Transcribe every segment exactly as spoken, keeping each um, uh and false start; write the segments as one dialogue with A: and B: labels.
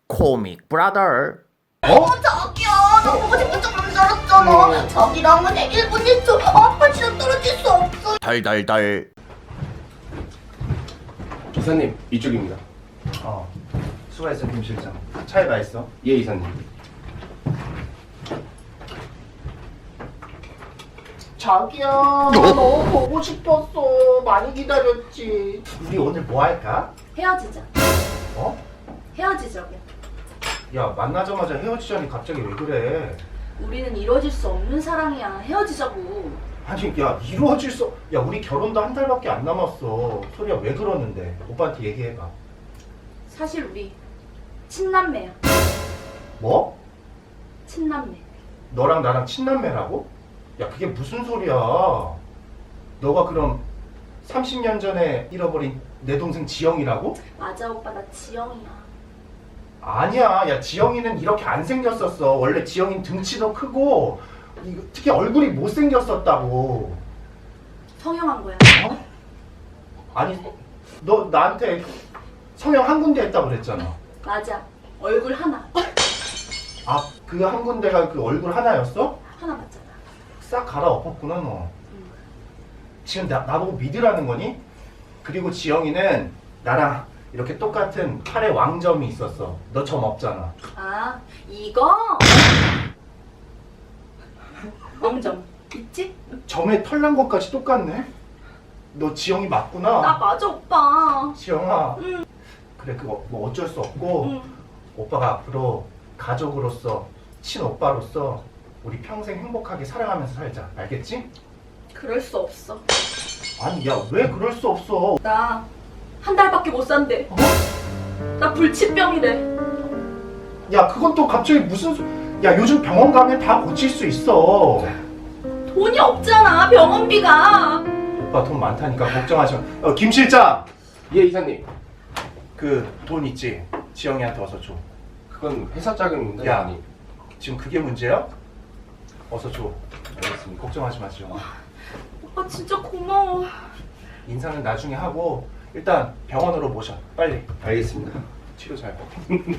A: 코믹 브라더.
B: 어? 자기야, 나 보고 싶은 척만 살았잖아. 자기랑은 일 분 일 초 아빠 진짜 떨어질 수 없어.
A: 달달달.
C: 이사님 이쪽입니다.
D: 어, 수고했어 김 실장. 차에 가 있어.
C: 예 이사님.
B: 자기야, 나 너무 보고 싶었어. 많이 기다렸지.
D: 우리 오늘 뭐 할까?
E: 헤어지자.
D: 어?
E: 헤어지자고.
D: 야, 만나자마자 헤어지자니 갑자기 왜 그래?
E: 우리는 이루어질 수 없는 사랑이야. 헤어지자고.
D: 아니, 야, 이루어질 수... 야, 우리 결혼도 한 달밖에 안 남았어. 소리야, 왜 그러는데? 오빠한테 얘기해봐.
E: 사실 우리 친남매야.
D: 뭐?
E: 친남매.
D: 너랑 나랑 친남매라고? 야, 그게 무슨 소리야? 너가 그럼 삼십 년 전에 잃어버린 내 동생 지영이라고?
E: 맞아 오빠, 나 지영이야.
D: 아니야, 야, 지영이는 이렇게 안 생겼었어. 원래 지영이는 등치도 크고 이거, 특히 얼굴이 못생겼었다고.
E: 성형한 거야.
D: 어? 아니, 너 나한테 성형 한 군데 했다고 그랬잖아.
E: 맞아. 얼굴 하나.
D: 아, 그 한 군데가 그 얼굴 하나였어?
E: 하나 맞잖아.
D: 싹 갈아엎었구나, 너.
E: 응.
D: 지금 나, 나보고 믿으라는 거니? 그리고 지영이는 나랑 이렇게 똑같은 팔에 왕점이 있었어. 너 점 없잖아.
E: 아, 이거? 왕점. 있지?
D: 점에 털난 것까지 똑같네? 너 지영이 맞구나.
E: 나 맞아 오빠.
D: 지영아.
E: 응.
D: 그래, 그거 뭐 어쩔 수 없고
E: 응.
D: 오빠가 앞으로 가족으로서, 친오빠로서 우리 평생 행복하게 사랑하면서 살자. 알겠지?
E: 그럴 수 없어.
D: 아니, 야, 왜 그럴 수 없어?
E: 나 한 달밖에 못 산대.
D: 어?
E: 나 불치병이래.
D: 야, 그건 또 갑자기 무슨 소... 야, 요즘 병원 가면 다 고칠 수 있어.
E: 돈이 없잖아, 병원비가.
D: 오빠 돈 많다니까 걱정하지 마. 어, 김 실장!
C: 예 이사님.
D: 그 돈 있지? 지영이한테 어서 줘.
C: 그건 회사 자금인데.
D: 야.
C: 아니.
D: 지금 그게 문제야? 어서 줘.
C: 알겠습니다.
D: 걱정하지 마, 지영아.
E: 오빠 진짜 고마워.
D: 인사는 나중에 하고 일단 병원으로 모셔. 빨리.
C: 알겠습니다.
D: 치료 잘 받고.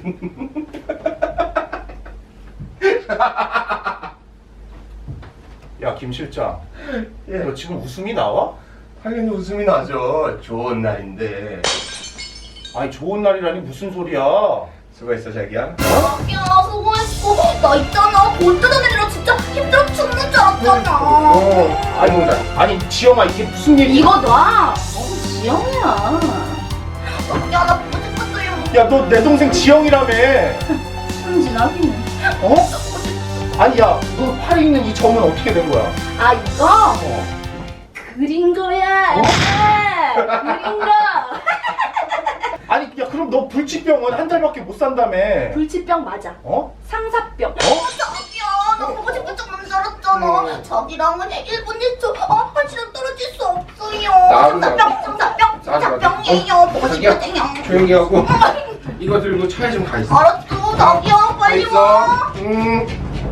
D: 야, 김 실장.
C: 예.
D: 너 지금 웃음이 나와?
C: 당연히 웃음이 나죠. 좋은 날인데.
D: 아니, 좋은 날이라니 무슨 소리야?
C: 수고했어 자기야.
B: 자기야, 수고했어. 나 있잖아. 돈 뜯어내느라 진짜 힘들어 죽는 줄 알았잖아.
D: 어, 아니, 뭐, 아니, 지영아, 이게 무슨 일이야?
E: 이거 놔. 너무 지영이야.
B: 자기야, 나 보고 싶었어요.
D: 야, 너 내 동생 지영이라며.
E: 순진하기는.
D: 어? 아니, 야, 너 팔에 있는 이 점은 어떻게 된 거야?
E: 아 이거
D: 어.
E: 그린 거야.
D: 어?
E: 그린 거.
D: 아니, 야, 그럼 너 불치병은 한 달밖에 못 산다며.
E: 불치병 맞아.
D: 어?
E: 상사병.
D: 어?
B: 자기야, 나 보고 싶은 척만 살았잖아.
D: 음.
B: 자기랑은 일 분 일 초 아빠 진짜 떨어질 수 없어요.
C: 나도
B: 상사병, 상사병,
C: 나도
B: 상사병이에요. 보고
C: 자기야.
B: 싶거든요.
C: 조용히 하고. 이거 들고 차에 좀 가 있어.
B: 알았어, 자기야,
C: 가
B: 빨리
C: 있어.
B: 와.
C: 음.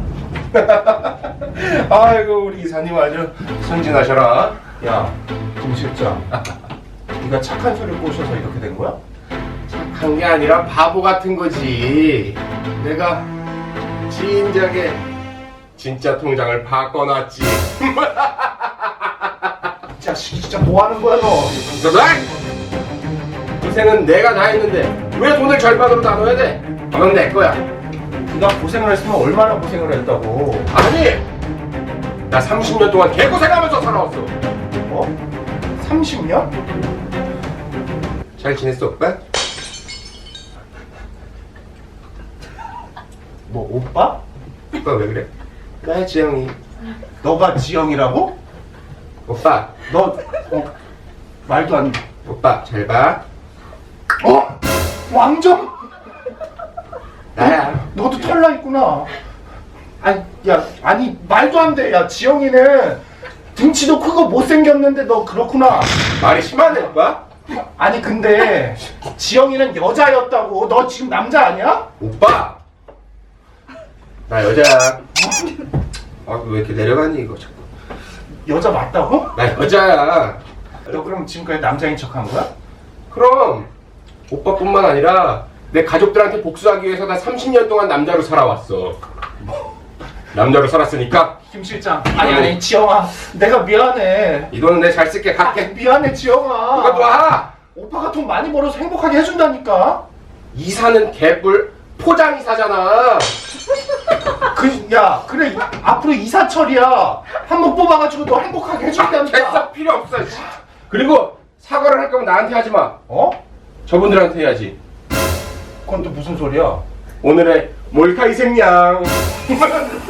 C: 아이고 우리 이사님 아주 순진하셔라.
D: 야, 김 실장. 네가 착한 소리를 꼬셔서 이렇게 된 거야?
C: 한 게 아니라 바보 같은 거지. 내가 진작에 진짜 통장을 바꿔놨지.
D: 이 자식 진짜 뭐 하는 거야, 너?
C: 너도 고생은 내가 다 했는데 왜 돈을 절반으로 나눠야 돼? 그건 내 거야.
D: 네가 고생을 했으면 얼마나 고생을 했다고.
C: 아니, 나 삼십 년 동안 개고생하면서 살아왔어.
D: 어? 삼십 년?
C: 잘 지냈어, 오빠?
D: 뭐, 오빠?
C: 오빠 왜 그래? 나 지영이.
D: 너가 지영이라고?
C: 오빠,
D: 너, 어, 말도 안 돼.
C: 오빠 잘 봐.
D: 어? 왕정?
C: 나야.
D: 너도 털나 있구나. 아니, 야, 아니, 말도 안 돼. 야, 지영이는 등치도 크고 못생겼는데 너 그렇구나.
C: 말이 심하네, 오빠.
D: 아니, 근데 지영이는 여자였다고. 너 지금 남자 아니야?
C: 오빠. 나 여자야. 아, 왜 이렇게 내려가니 이거 자꾸.
D: 여자 맞다고?
C: 나 여자야.
D: 너 그럼 지금까지 남자인 척 한 거야?
C: 그럼 오빠뿐만 아니라 내 가족들한테 복수하기 위해서 나 삼십 년 동안 남자로 살아왔어. 남자로 살았으니까
D: 김 실장. 아니 아니 지영아. 내가 미안해.
C: 이 돈은 내 잘 쓸게.
D: 아,
C: 갈게.
D: 미안해 지영아.
C: 이거 놔.
D: 오빠가 돈 많이 벌어서 행복하게 해준다니까.
C: 이사는 개뿔 포장이사잖아.
D: 그, 야, 그래, 이- 앞으로 이사철이야. 한 번 뽑아가지고 너 행복하게 해준다니까.
C: 됐어, 필요 없어. 씨. 그리고 사과를 할 거면 나한테 하지 마.
D: 어?
C: 저분들한테 해야지.
D: 그건 또 무슨 소리야?
C: 오늘의 몰카 희생양.